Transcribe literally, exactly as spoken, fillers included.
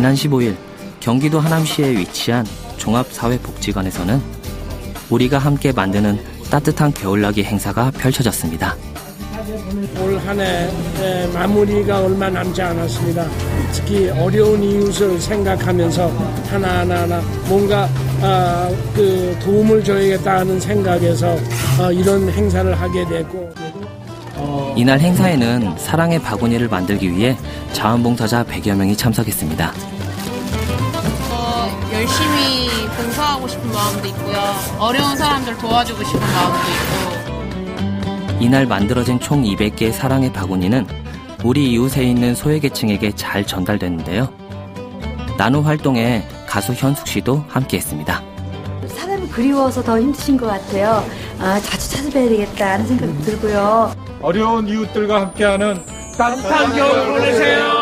지난 십오일 경기도 하남시에 위치한 종합사회복지관에서는 우리가 함께 만드는 따뜻한 겨울나기 행사가 펼쳐졌습니다. 올 한 해 마무리가 얼마 남지 않았습니다. 특히 어려운 이웃을 생각하면서 하나하나 뭔가 아, 그 도움을 줘야겠다 하는 생각에서 어, 이런 행사를 하게 됐고 이날 행사에는 사랑의 바구니를 만들기 위해 자원봉사자 백여 명이 참석했습니다. 어, 열심히 봉사하고 싶은 마음도 있고요. 어려운 사람들 도와주고 싶은 마음도 있고. 이날 만들어진 총 이백 개의 사랑의 바구니는 우리 이웃에 있는 소외계층에게 잘 전달됐는데요. 나노 활동에 가수 현숙 씨도 함께했습니다. 사람이 그리워서 더 힘드신 것 같아요. 아, 자주 찾아뵈야 되겠다 하는 생각이 들고요. 어려운 이웃들과 함께하는 따뜻한 겨울 보내세요.